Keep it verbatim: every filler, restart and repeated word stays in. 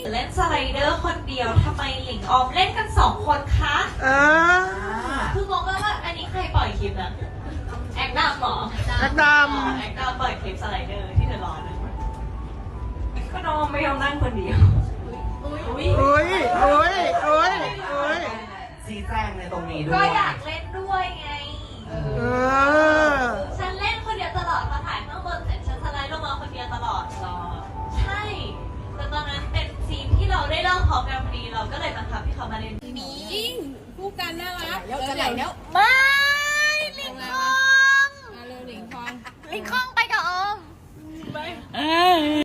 เล่นสไลเดอร์คนเดียวทำไมหลิงออมเล่นกันสองคนคะเออคืองงว่าอันนี้ใครปล่อยคลิปนะแอคดามหรอแอคดามแอคดามปล่อยคลิปสไลเดอร์ที่เธอรอนะก็น้องไม่ยอมนั่งคนเดียวอุ้ยอุ้ยอุ้ยอุ้ยอุ้ยชี้แจงในตรงนี้ด้วยก็อยากเล่นด้วยไงเออฉันเล่นคนเดียวตลอดพอถ่ายข้างบนเสร็จฉันสไลด์ลงมาคนเดียวตลอดรอใช่แต่ตอนนั้นเป็นซีนที่เราได้เริ่มพร้อมกันพอดีเราก็เลยบังคับให้เขามาเล่นมีคู่กันน่ารักแล้วจะไหลแล้วไม่ลิงคองเร็วลิงคองลิงคองไปกับออมไป